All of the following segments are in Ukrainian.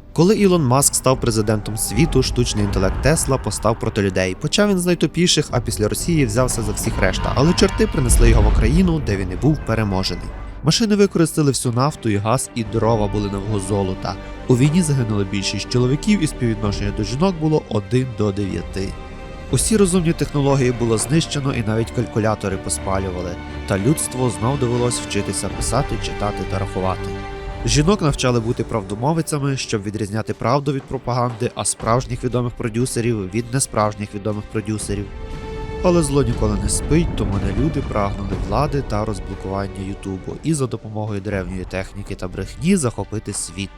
Коли Ілон Маск став президентом світу, штучний інтелект Тесла постав проти людей. Почав він з найтупіших, а після Росії взявся за всіх решта, але чорти принесли його в Україну, де він і був переможений. Машини використали всю нафту і газ, і дрова були на вагу золота. У війні загинуло більшість чоловіків, і співвідношення до жінок було 1 до 9. Усі розумні технології було знищено, і навіть калькулятори поспалювали. Та людству знов довелось вчитися писати, читати та рахувати. Жінок навчали бути правдомовицями, щоб відрізняти правду від пропаганди, а справжніх відомих продюсерів від несправжніх відомих продюсерів. Але зло ніколи не спить, тому не люди прагнули влади та розблокування Ютубу і за допомогою древньої техніки та брехні захопити світ.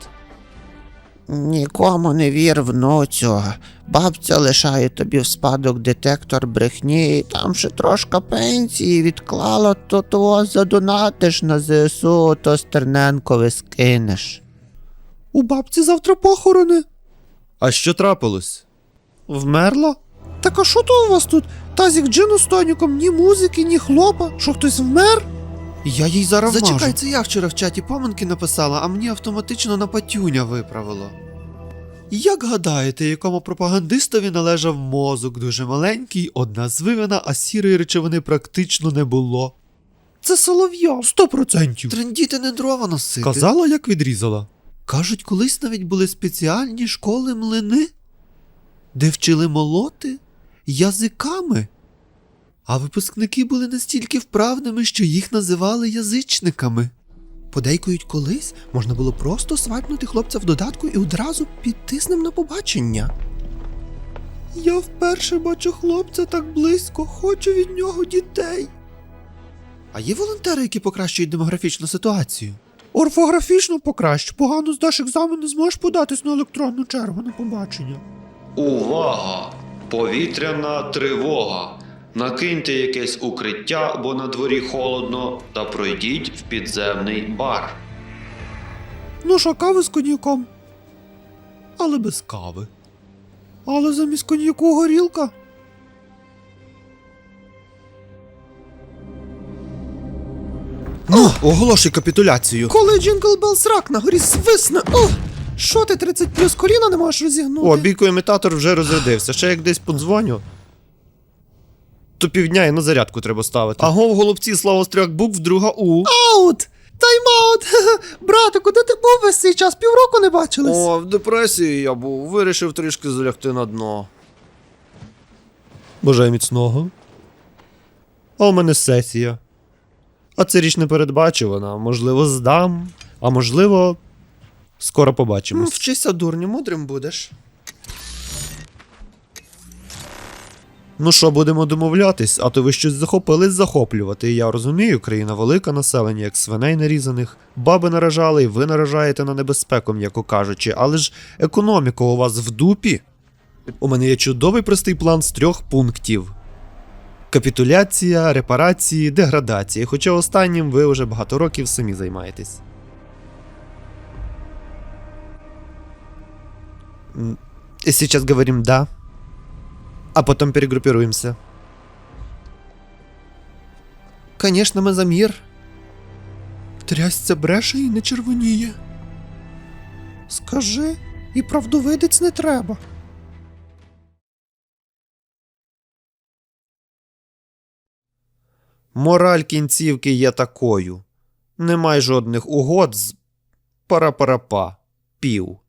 Нікому не вір, внуцю. Бабця лишає тобі в спадок детектор брехні, і там ще трошки пенсії відклала, то того задонатиш на ЗСУ, то Стерненкові скинеш. У бабці завтра похорони. А що трапилось? Вмерла? Так а що то у вас тут? Тазік джину з тоніком, ні музики, ні хлопа. Що, хтось вмер? Я їй зараз вмажу. Зачекай, це я вчора в чаті поминки написала, а мені автоматично на патюня виправило. Як гадаєте, якому пропагандистові належав мозок дуже маленький, одна звивина, а сірої речовини практично не було? Це Соловйов. 100%. Трендіти не дрова носити. Казала, як відрізала. Кажуть, колись навіть були спеціальні школи-млини, де вчили молоти язиками. А випускники були настільки вправними, що їх називали язичниками. Подейкують, колись можна було просто свайпнути хлопця в додатку і одразу піти з ним на побачення. Я вперше бачу хлопця так близько, хочу від нього дітей. А є волонтери, які покращують демографічну ситуацію? Орфографічно покращу, погано здаш екзамен, не зможеш податись на електронну чергу на побачення. Увага! Повітряна тривога! Накиньте якесь укриття, бо на дворі холодно, та пройдіть в підземний бар. Ну що, кави з коньяком? Але без кави. Але замість коньяку горілка? Ну, оголошуй капітуляцію. Коли Джингл Белл срак на горі свисне. О! Що ти 30 плюс коліна не можеш розігнути? О, бійкоімітатор вже розрядився. Ще як десь подзвоню, то півдня і на зарядку треба ставити. Аго, в голубці, слава з 3 букв, друга У. Аут! Тайм-аут! Братику, де ти був весь цей час? Півроку не бачились? О, в депресії я був. Вирішив трішки залягти на дно. Бажаю міцного. А у мене сесія. А це річ непередбачувана. Можливо, здам. А можливо, скоро побачимось. Вчися, дурню, мудрим будеш. Ну що, будемо домовлятись, а то ви щось захопились захоплювати. Я розумію, країна велика, населення, як свиней нарізаних. Баби наражали, і ви наражаєте на небезпеку, м'яко кажучи, але ж економіка у вас в дупі. У мене є чудовий простий план з 3 пунктів. Капітуляція, репарації, деградації, хоча останнім ви вже багато років самі займаєтесь. Сейчас говорим «да», а потом перегруппируемся. Конечно, ми за мир. Трясця бреше і не червоніє. Скажи, і правдовидець не треба. Мораль кінцівки є такою. Немає жодних угод з пара-пара-па. Пів.